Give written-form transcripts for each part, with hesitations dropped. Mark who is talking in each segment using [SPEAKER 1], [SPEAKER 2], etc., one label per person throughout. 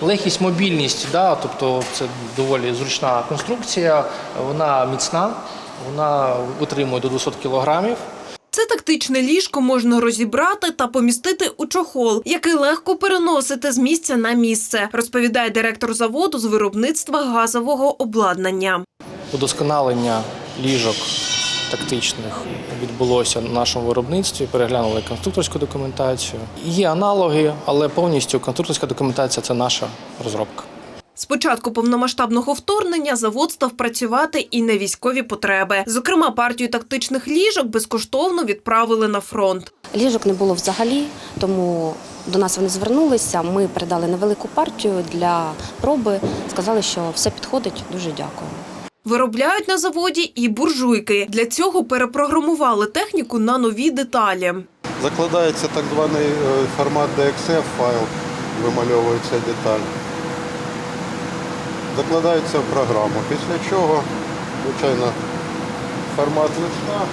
[SPEAKER 1] Легкість, мобільність, да, тобто це доволі зручна конструкція, вона міцна, вона витримує до 200 кілограмів.
[SPEAKER 2] Це тактичне ліжко можна розібрати та помістити у чохол, який легко переносити з місця на місце, розповідає директор заводу з виробництва газового обладнання.
[SPEAKER 1] Удосконалення ліжок тактичних відбулося на нашому виробництві, переглянули конструкторську документацію. Є аналоги, але повністю конструкторська документація – це наша розробка.
[SPEAKER 2] З початку повномасштабного вторгнення завод став працювати і на військові потреби. Зокрема, партію тактичних ліжок безкоштовно відправили на фронт.
[SPEAKER 3] Ліжок не було взагалі, тому до нас вони звернулися, ми передали невелику партію для проби, сказали, що все підходить, дуже дякую.
[SPEAKER 2] Виробляють на заводі і буржуйки. Для цього перепрограмували техніку на нові деталі.
[SPEAKER 4] Закладається так званий формат DXF файл, вимальовується деталь. Закладається в програму, після чого, звичайно, формат листа.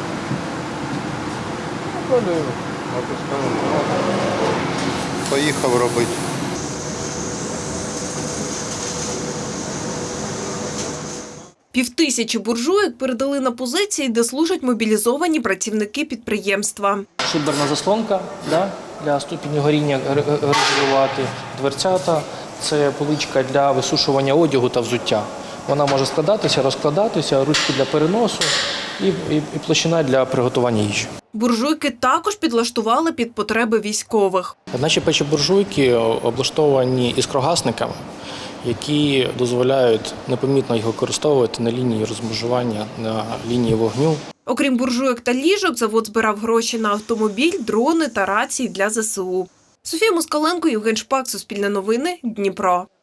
[SPEAKER 4] Далі натискаємо. Поїхав робити.
[SPEAKER 2] Півтисячі буржуйок передали на позиції, де служать мобілізовані працівники підприємства.
[SPEAKER 1] Шиберна заслонка, да, для ступеню горіння регулювати, дверцята – це поличка для висушування одягу та взуття. Вона може складатися, розкладатися, ручки для переносу і площина для приготування їжі.
[SPEAKER 2] Буржуйки також підлаштували під потреби військових.
[SPEAKER 1] Наші печі-буржуйки облаштовані іскрогасниками, які дозволяють непомітно їх використовувати на лінії розмежування, на лінії вогню.
[SPEAKER 2] Окрім буржуйок та ліжок, завод збирав гроші на автомобіль, дрони та рації для ЗСУ. Софія Москаленко, Євген Шпак, Суспільне новини, Дніпро.